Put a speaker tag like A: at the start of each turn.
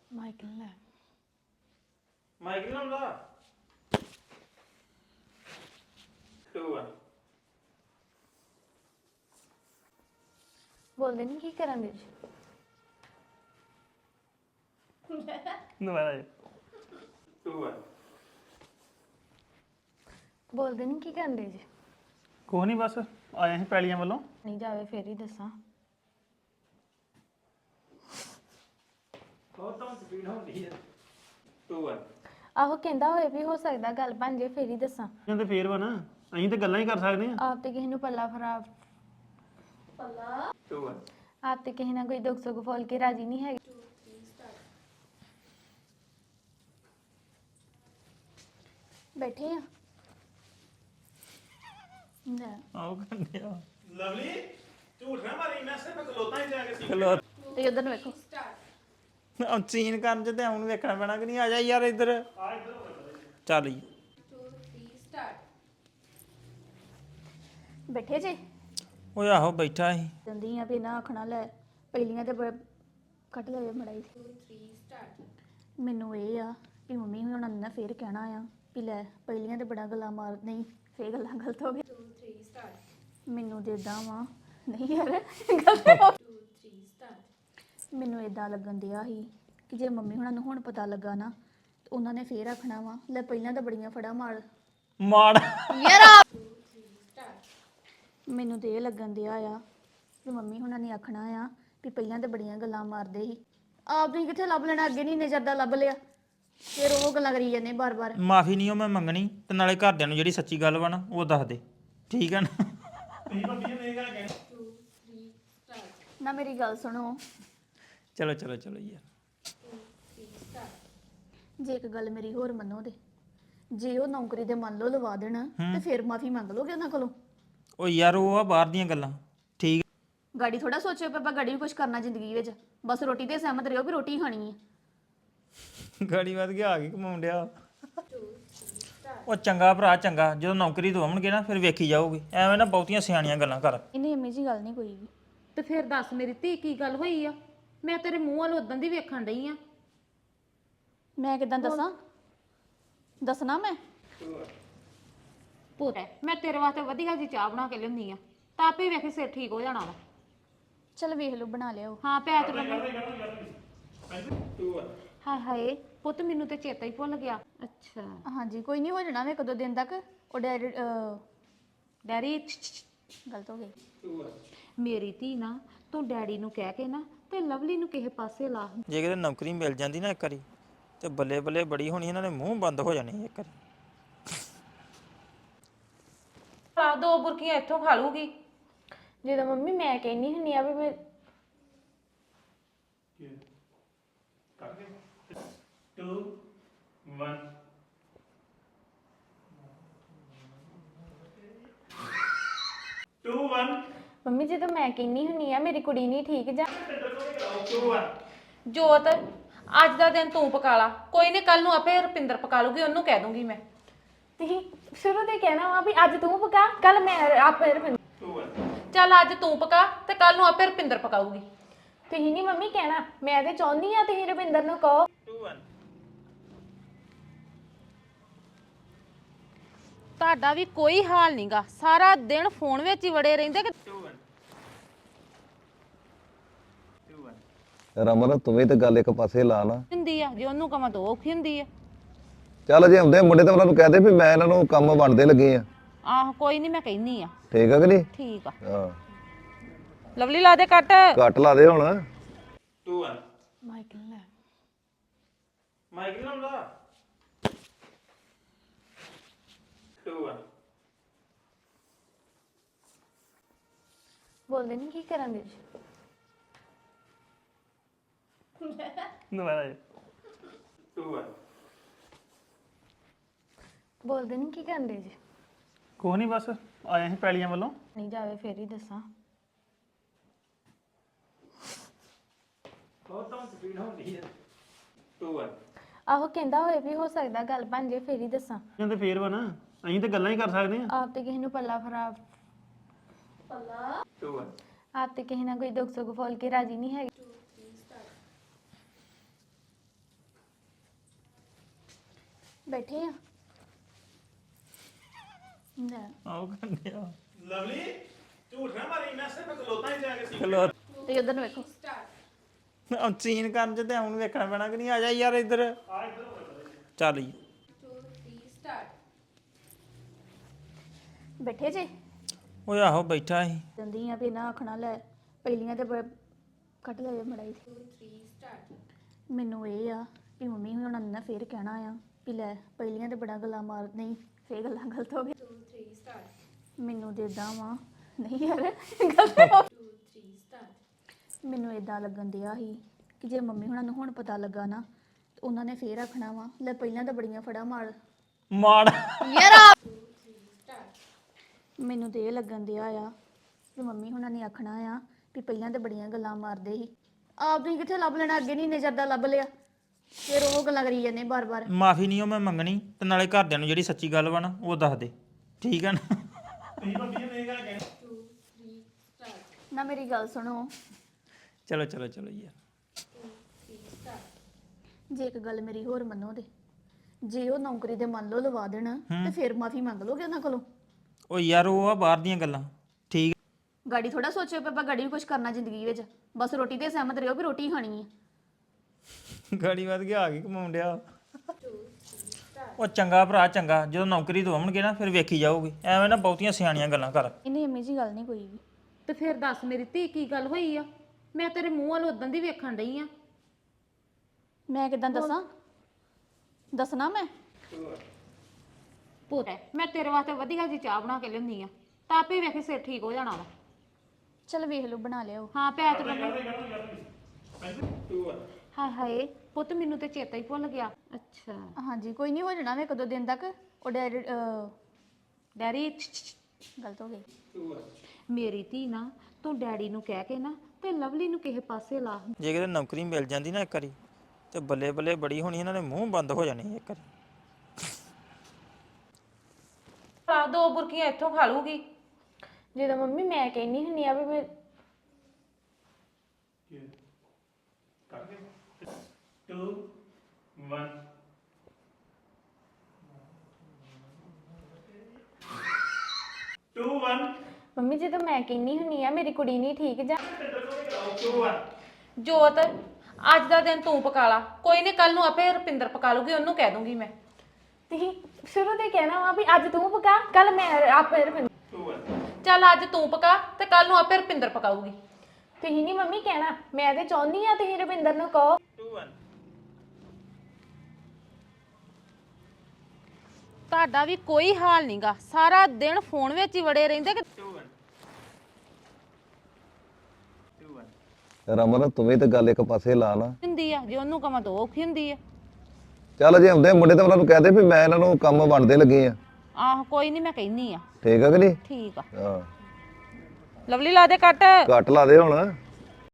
A: Michael ਲੈ
B: mic ਨਾਲ ਲਾ 2 1
A: ਬੋਲਦੇ ਨਹੀਂ ਕੀ ਕਰਨ ਦੇ ਜੀ
C: ਦੁਬਾਰਾ
B: 2 1
A: ਬੋਲਦੇ ਨਹੀਂ ਕੀ ਕਰਨ ਦੇ ਜੀ
C: ਕੁਛ ਨਹੀਂ ਬਸ ਆਏ ਸੀ ਪੈਲੀਆਂ ਵੱਲੋਂ
A: ਨਹੀਂ ਜਾਵੇ ਫੇਰ ਹੀ ਦੱਸਾਂ
B: ਬਹੁਤ ਤਾਂ ਸਪੀਡ ਹੁੰਦੀ ਹੈ 2 1
A: ਆਹੋ ਕਹਿੰਦਾ ਹੋਏ ਵੀ ਹੋ ਸਕਦਾ ਗੱਲ ਬਣ ਜੇ ਫੇਰ ਹੀ ਦੱਸਾਂ
C: ਕਹਿੰਦੇ ਫੇਰ ਵਾ ਨਾ ਅਸੀਂ ਤੇ ਗੱਲਾਂ ਹੀ ਕਰ ਸਕਦੇ ਆ
A: ਆਪ ਤੇ ਕਿਸੇ ਨੂੰ ਪੱਲਾ ਖਰਾਬ
B: 2 1
A: ਆਪ ਤੇ ਕਿਸੇ ਨਾਲ ਕੋਈ ਦੁੱਖ ਸੁੱਖ ਫੋਲ ਕੇ ਰਾਜੀ ਨਹੀਂ ਹੈਗੇ ਬੈਠੇ ਆ ਲੈ
C: ਆਓ ਕੰਨੇ ਆ
B: ਲਵਲੀ ਝੂਠ ਨਾ ਮਾਰੀ ਮੈਂ ਸਿਰਫ ਗਲੋਤਾਂ ਹੀ ਜਾ ਕੇ ਸੀ
C: ਚਲੋ
A: ਤੇ ਉਧਰ ਨੂੰ ਵੇਖੋ
C: ਸੀਨ ਕਰਨ ਚ ਤੇ ਹੁਣ ਵੇਖਣਾ ਪੈਣਾ ਕਿ ਨਹੀਂ ਆ ਜਾ ਯਾਰ ਇੱਧਰ ਚੱਲ ਜੀ
A: ਬੈਠੇ ਜੇ
C: ਓਏ ਆਹੋ ਬੈਠਾ ਸੀ
A: ਜਾਂਦੀ ਆ ਵੀ ਨਾ ਆਖਣਾ ਲੈ ਪਹਿਲੀਆਂ ਤੇ ਕੱਟ ਲੈ ਮੜਾਈ ਮੈਨੂੰ ਇਹ ਆ ਕਿ ਮੰਮੀ ਹੁਣ ਨਾ ਫੇਰ ਕਹਿਣਾ ਆ ਵੀ ਲੈ ਪਹਿਲੀਆਂ ਤੇ ਬੜਾ ਗੱਲਾਂ ਮਾਰ ਨਹੀਂ ਫੇਰ ਗੱਲਾਂ ਗਲਤ ਹੋ ਗਈ ਮੈਨੂੰ ਤੇ ਏਦਾਂ ਵਾ ਨਹੀਂ ਯਾਰ ਗਲਤ ਹੋ ਮੈਨੂੰ ਏਦਾਂ ਲੱਗਣ ਦਿਆ ਸੀ ਕਿ ਜੇ ਮੰਮੀ ਹੁਣਾਂ ਨੂੰ ਹੁਣ ਪਤਾ ਲੱਗਾ ਨਾ ਤੇ ਉਹਨਾਂ ਨੇ ਫੇਰ ਆਖਣਾ ਵਾ ਲੈ ਪਹਿਲਾਂ ਤਾਂ ਬੜੀਆਂ ਫੜਾ ਮਾਰ ਯਾਰ ਮੈਨੂੰ ਤੇ ਇਹ ਲੱਗਣ ਦਿਆ ਆ ਕਿ ਮੰਮੀ ਹੁਣਾਂ ਨੇ ਆਖਣਾ ਆ ਵੀ ਪਹਿਲਾਂ ਤਾਂ ਬੜੀਆਂ ਗੱਲਾਂ ਮਾਰਦੇ ਸੀ ਆਪ ਤੁਸੀਂ ਕਿੱਥੇ ਲੱਭ ਲੈਣਾ ਅੱਗੇ ਨਹੀਂ ਨਜ਼ਰ ਦਾ ਲੱਭ ਲਿਆ ਫਿਰ ਉਹ ਗੱਲਾਂ ਕਰੀ ਜਾਂਦੇ ਬਾਰ-ਬਾਰ
C: ਮਾਫੀ ਨਹੀਂ ਉਹ ਮੈਂ ਮੰਗਣੀ ਤੇ ਨਾਲੇ ਘਰਦਿਆਂ ਨੂੰ ਜਿਹੜੀ ਸੱਚੀ ਗੱਲ ਵਾ ਨਾ ਉਹ ਦੱਸ ਦੇ ਠੀਕ ਹੈ ਨਾ
A: ਨਾ ਮੇਰੀ ਗੱਲ ਸੁਣੋ
C: ਚਲੋ ਚਲੋ ਚਲੋ ਯਾਰ
A: ਜੇ ਇੱਕ ਗੱਲ ਮੇਰੀ ਹੋਰ ਮੰਨੋ ਤੇ ਜੇ ਉਹ ਨੌਕਰੀ ਦੇ ਮੰਨ ਲਓ ਲਵਾ ਦੇਣ ਤੇ ਫਿਰ ਮਾਫੀ ਮੰਗ ਲੋਗੇ ਉਹਨਾਂ ਕੋਲੋਂ
C: ਉਹ ਯਾਰ ਉਹ ਆ ਬਾਹਰ ਦੀਆਂ ਗੱਲਾਂ ਠੀਕ
A: ਗਾੜੀ ਥੋੜਾ ਸੋਚਿਓ ਪਾਪਾ ਗਾੜੀ ਵੀ ਕੁਝ ਕਰਨਾ ਜ਼ਿੰਦਗੀ ਵਿੱਚ ਬਸ ਰੋਟੀ ਤੇ ਸਹਿਮਤ ਰਹੋ ਵੀ ਰੋਟੀ ਖਾਣੀ ਹੈ
C: ਗਾੜੀ ਵੱਧ ਗਿਆ ਆ ਕੇ ਕਮਾਉਣ ਡਿਆ ਉਹ ਚੰਗਾ ਭਰਾ ਚੰਗਾ ਜਦੋਂ ਨੌਕਰੀ ਤੋਂ ਆਉਣਗੇ ਨਾ ਫਿਰ ਵੇਖੀ ਜਾਊਗੀ ਐਵੇਂ ਨਾ ਬਹੁਤੀਆਂ ਸਿਆਣੀਆਂ ਗੱਲਾਂ ਕਰ
A: ਇਹਨੇ ਐਵੇਂ ਜੀ ਗੱਲ ਨਹੀਂ ਕੋਈ ਵੀ
D: ਤੇ ਫਿਰ ਦੱਸ ਮੇਰੀ ਧੀ ਕੀ ਗੱਲ ਹੋਈ ਆ ਮੈਂ ਤੇਰੇ ਮੂੰਹ ਵੱਲ ਉਦੋਂ ਦੀ ਵੇਖਣ ਡਈ ਆ
A: ਮੈਂ ਕਿਦਾਂ ਦੱਸਾਂ ਦੱਸਣਾ ਮੈਂ
D: ਪੁੱਤ ਮੈਂ ਤੇਰੇ ਵਾਸਤੇ ਵਧੀਆ ਜੀ ਚਾਹ ਬਣਾ ਕੇ ਲਿਆਉਂਦੀ ਆ ਤਾਂ ਆਪੇ ਵੇਖੀ ਸਿਰ ਠੀਕ ਹੋ ਜਾਣਾ ਵਾ
A: ਚਲ ਵੇਖ ਲਓ ਬਣਾ ਲਿਆਓ
D: ਹਾਂ ਪੈ ਤੇ ਮੈਨੂੰ
B: 2 1
D: ਹਾਏ ਹਾਏ ਪੁੱਤ ਮੈਨੂੰ ਤੇ ਚੇਤਾ ਹੀ ਭੁੱਲ ਗਿਆ ਅੱਛਾ
A: ਹਾਂਜੀ ਕੋਈ ਨਹੀਂ ਹੋ ਜਾਣਾ ਵੇ ਕਦੋਂ ਦਿਨ ਤੱਕ ਉਹ ਡੈਡੀ
D: ਡੈਡੀ
A: ਗਲਤ ਹੋ ਗਈ
B: 2 1
C: ਮੇਰੀ ਧੀ ਨਾ ਤੂੰ ਡੈਡੀ ਨੂੰ ਕਹਿ ਕੇ ਨਾ ਤੇ ਲਵਲੀ ਨੂੰ ਕਿਸੇ ਪਾਸੇ ਲਾ
E: ਜੇ ਕਿਤੇ ਨੌਕਰੀ ਮਿਲ ਜਾਂਦੀ ਨਾ ਇੱਕ ਵਾਰੀ ਤੇ ਬੱਲੇ ਬੱਲੇ ਬੜੀ ਹੋਣੀ ਇਹਨਾਂ ਦੇ ਮੂੰਹ ਬੰਦ ਹੋ ਜਾਣੇ ਇੱਕ ਵਾਰੀ
D: ਆ ਦੋ ਬੁਰਕੀਆਂ ਇੱਥੋਂ ਖਾ ਲੂਗੀ
A: ਜਦੋਂ ਮੰਮੀ ਮੈਂ ਕਹਿੰਨੀ ਹੁੰਨੀ ਆ ਵੀ ਮੈਂ
B: 2 1 2 1
A: ਮੰਮੀ ਜਦੋਂ ਮੈਂ ਕਹਿੰਨੀ ਹੁੰਨੀ ਆ ਮੇਰੀ ਕੁੜੀ ਨਹੀਂ ਠੀਕ ਜਾਂ
B: 2 1
D: ਜੋਤ ਅੱਜ ਦਾ ਦਿਨ ਤੂੰ ਪਕਾ ਲਾ ਕੋਈ ਨਹੀਂ ਕੱਲ ਨੂੰ ਆਪੇ ਰੁਪਿੰਦਰ ਪਕਾ ਲੂਗੀ ਉਹਨੂੰ ਕਹਿ ਦੂੰਗੀ ਮੈਂ
A: ਤੁਸੀਂ ਸ਼ੁਰੂ ਤੇ ਕਹਿਣਾ ਵਾ ਵੀ ਅੱਜ ਤੂੰ ਪਕਾ ਕੱਲ ਮੈਂ ਆਪੇ ਰੁਪਿੰਦਰ
B: 2 1
D: ਚੱਲ ਅੱਜ ਤੂੰ ਪਕਾ ਤੇ ਕੱਲ ਨੂੰ ਆਪੇ ਰੁਪਿੰਦਰ ਪਕਾਊਗੀ
A: ਤੁਸੀਂ ਨਹੀਂ ਮੰਮੀ ਕਹਿਣਾ ਮੈਂ ਤੇ ਚਾਹੁੰਦੀ ਆ ਤੁਸੀਂ ਰੁਪਿੰਦਰ ਨੂੰ ਕਹੋ
B: 2 1
D: ਤੁਹਾਡਾ ਵੀ ਕੋਈ ਹਾਲ ਨਹੀਂਗਾ ਸਾਰਾ ਦਿਨ ਫੋਨ ਵਿੱਚ ਹੀ ਵੜੇ ਰਹਿੰਦੇ ਕਿ
B: 2 1 2 1
F: ਰਮਨ ਤੂੰ ਵੀ ਤੇ ਗੱਲ ਇੱਕ ਪਾਸੇ ਲਾ ਨਾ
D: ਹੁੰਦੀ ਆ ਜੇ ਉਹਨੂੰ ਕਵਾਂ ਤਾਂ ਔਖੀ ਹੁੰਦੀ ਆ
F: ਚੱਲ ਜੇ ਹੁੰਦੇ ਮੁੰਡੇ ਤਾਂ ਉਹਨਾਂ ਨੂੰ ਕਹਦੇ ਵੀ ਮੈਂ ਇਹਨਾਂ ਨੂੰ ਕੰਮ ਵੰਡਦੇ ਲੱਗੇ ਆ
D: ਆਹ ਕੋਈ ਨਹੀਂ ਮੈਂ ਕਹਿਨੀ ਆ
F: ਠੀਕ ਆ ਕਿ ਨਹੀਂ
D: ਠੀਕ ਆ
F: ਹਾਂ
D: ਲਵਲੀ ਲਾ ਦੇ ਕੱਟ
F: ਕੱਟ ਲਾ ਦੇ ਹੁਣ
B: 2 1
A: ਮਾਈਕਲ ਲੈ
B: ਮਾਈਕ ਨਾਲ ਲਾ 2 1
A: ਬੋਲਦੇ ਨਹੀਂ ਕੀ ਕਰਨ ਦੇ ਜੀ
C: ਦੁਬਾਰਾ
B: 2 1
A: ਬੋਲਦੇ ਨਹੀਂ ਕੀ ਕਰਨ ਦੇ ਜੀ
C: ਕੁਛ ਨਹੀਂ ਬਸ ਆਏ ਸੀ ਪੈਲੀਆਂ ਵੱਲੋਂ
A: ਨਹੀਂ ਜਾਵੇ ਫੇਰ ਹੀ ਦੱਸਾਂ
B: ਬਹੁਤ ਤਾਂ ਸਪੀਡ ਹੁੰਦੀ ਹੈ 2 1
A: ਆਹੋ ਕਹਿੰਦਾ ਹੋਏ ਵੀ ਹੋ ਸਕਦਾ ਗੱਲ ਬਣ ਜੇ ਫੇਰ ਹੀ ਦੱਸਾਂ
C: ਕਹਿੰਦੇ ਫੇਰ ਵਾ ਨਾ ਅਸੀਂ ਤੇ ਗੱਲਾਂ ਹੀ ਕਰ ਸਕਦੇ ਆ
A: ਆਪ ਤੇ ਕਿਸੇ ਨੂੰ ਪੱਲਾ ਖਰਾਬ
B: 2 1
A: ਆਪ ਤੇ ਕਿਸੇ ਨਾਲ ਕੋਈ ਦੁੱਖ ਸੁੱਖ ਫੋਲ ਕੇ ਰਾਜੀ ਨਹੀਂ ਹੈਗੇ ਬੈਠੇ ਆ ਲੈ
C: ਆਓ ਕੰਡਿਆ
B: ਲਵਲੀ ਝੂਠ ਨਾ ਮਾਰੀ ਮੈਂ ਸਿਰਫ ਖਲੋਤਾ ਹੀ ਜਾ ਕੇ ਸੀ
C: ਖਲੋ
A: ਤੇ ਉਧਰ ਨੂੰ ਵੇਖੋ
C: ਸੀਨ ਕਰਨ ਚ ਤੇ ਹੁਣ ਵੇਖਣਾ ਪੈਣਾ ਕਿ ਨਹੀਂ ਆ ਜਾ ਯਾਰ ਇੱਧਰ ਚੱਲ ਜੀ
A: ਬੈਠੇ ਜੇ
C: ਓਏ ਆਹੋ ਬੈਠਾ ਸੀ
A: ਜਾਂਦੀ ਆ ਵੀ ਨਾ ਆਖਣਾ ਲੈ ਪਹਿਲੀਆਂ ਤੇ ਕੱਟ ਲੈ ਮੜਾਈ ਮੈਨੂੰ ਇਹ ਆ ਕਿ ਮੰਮੀ ਹੁਣ ਨਾ ਫੇਰ ਕਹਿਣਾ ਆ ਵੀ ਲੈ ਪਹਿਲੀਆਂ ਤੇ ਬੜਾ ਗੱਲਾਂ ਮਾਰ ਨਹੀਂ ਫੇਰ ਗੱਲਾਂ ਗਲਤ ਹੋ ਗਈਆਂ ਮੈਨੂੰ ਤੇ ਇਦਾਂ ਵਾ ਨਹੀਂ ਯਾਰ ਗਲਤ ਹੋ ਮੈਨੂੰ ਇਦਾਂ ਲੱਗਣ ਦਿਆ ਸੀ ਕਿ ਜੇ ਮੰਮੀ ਹੁਣਾਂ ਨੂੰ ਹੁਣ ਪਤਾ ਲੱਗਾ ਨਾ ਤੇ ਉਹਨਾਂ ਨੇ ਫੇਰ ਆਖਣਾ ਵਾ ਲੈ ਪਹਿਲਾਂ ਤਾਂ ਬੜੀਆਂ ਫੜਾ ਮਾਰ
C: ਮਾੜ
A: ਮੈਨੂੰ ਤੇ ਇਹ ਲੱਗਣ ਦਿਆ ਆ ਕਿ ਮੰਮੀ ਹੁਣਾਂ ਨੇ ਆਖਣਾ ਆ ਵੀ ਪਹਿਲਾਂ ਤਾਂ ਬੜੀਆਂ ਗੱਲਾਂ ਮਾਰਦੇ ਸੀ ਆਪ ਤੁਸੀਂ ਕਿੱਥੇ ਲੱਭ ਲੈਣਾ ਅੱਗੇ ਨਹੀਂ ਨਜ਼ਰ ਦਾ ਲੱਭ ਲਿਆ ਫਿਰ ਉਹ ਗੱਲਾਂ ਕਰੀ ਜਾਂਦੇ ਬਾਰ-ਬਾਰ
C: ਮਾਫੀ ਨਹੀਂ ਉਹ ਮੈਂ ਮੰਗਣੀ ਤੇ ਨਾਲੇ ਘਰਦਿਆਂ ਨੂੰ ਜਿਹੜੀ ਸੱਚੀ ਗੱਲ ਵਾ ਨਾ ਉਹ ਦੱਸ ਦੇ ਠੀਕ ਆ ਨਾ
B: ਤੁਸੀਂ ਭਾਬੀ ਨੇ ਇਹ ਗੱਲ ਕਹਿਣੀ
A: ਨਾ ਮੇਰੀ ਗੱਲ ਸੁਣੋ
C: ਚਲੋ ਚਲੋ ਚਲੋ ਯਾਰ
A: ਜੇ ਇੱਕ ਗੱਲ ਮੇਰੀ ਹੋਰ ਮੰਨੋ ਤੇ ਜੇ ਉਹ ਨੌਕਰੀ ਦੇ ਮੰਨ ਲਓ ਲਵਾ ਦੇਣ ਤੇ ਫਿਰ ਮਾਫੀ ਮੰਗ ਲੋਗੇ ਉਹਨਾਂ ਕੋਲੋਂ
C: ਉਹ ਯਾਰ ਉਹ ਆ ਬਾਹਰ ਦੀਆਂ ਗੱਲਾਂ ਠੀਕ
A: ਗਾੜੀ ਥੋੜਾ ਸੋਚਿਓ ਪਾਪਾ ਗਾੜੀ ਵੀ ਕੁਝ ਕਰਨਾ ਜ਼ਿੰਦਗੀ ਵਿੱਚ ਬਸ ਰੋਟੀ ਤੇ ਸਹਿਮਤ ਰਹੋ ਵੀ ਰੋਟੀ ਖਾਣੀ ਹੈ
C: ਗਾੜੀ ਵੱਧ ਗਿਆ ਆ ਕੇ ਕਮਾਉਣ ਡਿਆ ਉਹ ਚੰਗਾ ਭਰਾ ਚੰਗਾ ਜਦੋਂ ਨੌਕਰੀ ਦਵਾਉਣਗੇ ਨਾ ਫਿਰ ਵੇਖੀ ਜਾਊਗੀ ਐਵੇਂ ਨਾ ਬਹੁਤੀਆਂ ਸਿਆਣੀਆਂ ਗੱਲਾਂ ਕਰ
A: ਇਹਨੇ ਅੰਮੀ ਜੀ ਗੱਲ ਨਹੀਂ ਕੋਈ ਵੀ
D: ਤੇ ਫਿਰ ਦੱਸ ਮੇਰੀ ਧੀ ਕੀ ਗੱਲ ਹੋਈ ਆ ਮੈਂ ਤੇਰੇ ਮੂੰਹ ਵੱਲ ਉਦੋਂ ਦੀ ਵੇਖਣ ਡਈ ਆ
A: ਮੈਂ ਕਿਦਾਂ ਦੱਸਾਂ ਦੱਸਣਾ ਮੈਂ
D: ਪੁੱਤ ਮੈਂ ਤੇਰੇ ਵਾਸਤੇ ਵਧੀਆ ਜੀ ਚਾਹ ਬਣਾ ਕੇ ਲਿਆਉਂਦੀ ਆ ਤਾਂ ਆਪੇ ਵੇਖੇ ਸਿਰ ਠੀਕ ਹੋ ਜਾਣਾ ਵਾ
A: ਚਲ ਵੇਖ ਲਓ ਬਣਾ ਲਿਓ
D: ਹਾਂ ਪੈ ਤੇ ਹਾਏ ਹਾਏ ਪੁੱਤ ਮੈਨੂੰ ਤੇ ਚੇਤਾ ਹੀ ਭੁੱਲ ਗਿਆ ਅੱਛਾ
A: ਹਾਂਜੀ ਕੋਈ ਨਹੀਂ ਹੋ ਜਾਣਾ ਵੇ ਕਦੋਂ ਦਿਨ ਤੱਕ ਉਹ
D: ਡੈਡੀ
A: ਗਲਤ ਹੋ ਗਈ
D: ਮੇਰੀ ਧੀ ਨਾ ਤੂੰ ਡੈਡੀ ਨੂੰ ਕਹਿ ਕੇ ਨਾ ਤੇ ਲਵਲੀ ਨੂੰ ਕਿਸੇ ਪਾਸੇ ਲਾ
E: ਜੇ ਕਿਤੇ ਨੌਕਰੀ ਮਿਲ ਜਾਂਦੀ ਨਾ ਇੱਕ ਵਾਰੀ ਤੇ ਬੱਲੇ ਬੱਲੇ ਬੜੀ ਹੋਣੀ ਇਹਨਾਂ ਦੇ ਮੂੰਹ ਬੰਦ ਹੋ ਜਾਣੇ ਇੱਕ ਵਾਰੀ
D: ਆ ਦੋ ਬੁਰਕੀਆਂ ਇੱਥੋਂ ਖਾ ਲੂਗੀ
A: ਜਦੋਂ ਮੰਮੀ ਮੈਂ ਕਹਿੰਨੀ ਹੁੰਨੀ ਆ ਵੀ ਮੈਂ
B: ਕਰ ਗਏ 2 1 2 1
A: ਮੰਮੀ ਜਦੋਂ ਮੈਂ ਕਹਿੰਨੀ ਹੁੰਨੀ ਆ ਮੇਰੀ ਕੁੜੀ ਨਹੀਂ ਠੀਕ ਜਾਂ
B: 2 1
D: ਜੋਤ ਅੱਜ ਦਾ ਦਿਨ ਤੂੰ ਪਕਾ ਲਾ ਕੋਈ ਨਹੀਂ ਕੱਲ ਨੂੰ ਆਪੇ ਰੁਪਿੰਦਰ ਪਕਾ ਲੂਗੀ ਉਹਨੂੰ ਕਹਿ ਦੂੰਗੀ ਮੈਂ
A: ਤੁਸੀਂ ਸ਼ੁਰੂ ਤੇ ਕਹਿਣਾ ਵਾ ਵੀ ਅੱਜ ਤੂੰ ਪਕਾ ਕੱਲ ਮੈਂ ਆਪੇ
B: 2 1
D: ਚੱਲ ਅੱਜ ਤੂੰ ਪਕਾ ਤੇ ਕੱਲ ਨੂੰ ਆਪੇ ਰੁਪਿੰਦਰ ਪਕਾਊਗੀ
A: ਤੁਸੀਂ ਨਹੀਂ ਮੰਮੀ ਕਹਿਣਾ ਮੈਂ ਤੇ ਚਾਹੁੰਦੀ ਆ ਤੁਸੀਂ ਰਵਿੰਦਰ ਨੂੰ ਕਹੋ
B: 2 1
D: ਤੁਹਾਡਾ ਵੀ ਕੋਈ ਹਾਲ ਨਹੀਂਗਾ ਸਾਰਾ ਦਿਨ ਫੋਨ ਵਿੱਚ ਹੀ ਵੜੇ ਰਹਿੰਦੇ ਕਿ
B: 2 1 2 1
F: ਰਮਨ ਤੂੰ ਵੀ ਤੇ ਗੱਲ ਇੱਕ ਪਾਸੇ ਲਾ ਨਾ
D: ਹੁੰਦੀ ਆ ਜੇ ਉਹਨੂੰ ਕਵਾਂ ਤਾਂ ਔਖੀ ਹੁੰਦੀ ਆ
F: ਚੱਲ ਜੇ ਹੁੰਦੇ ਮੁੰਡੇ ਤਾਂ ਉਹਨਾਂ ਨੂੰ ਕਹਦੇ ਵੀ ਮੈਂ ਇਹਨਾਂ ਨੂੰ ਕੰਮ ਵੰਡਦੇ ਲੱਗੇ ਆ
D: ਆਹ ਕੋਈ ਨਹੀਂ ਮੈਂ ਕਹਿੰਨੀ ਆ
F: ਠੀਕ ਆ ਕਿ ਨਹੀਂ
D: ਠੀਕ ਆ
F: ਹਾਂ
D: ਲਵਲੀ ਲਾ ਦੇ ਕੱਟ
F: ਘੱਟ ਲਾ ਦੇ ਹੁਣ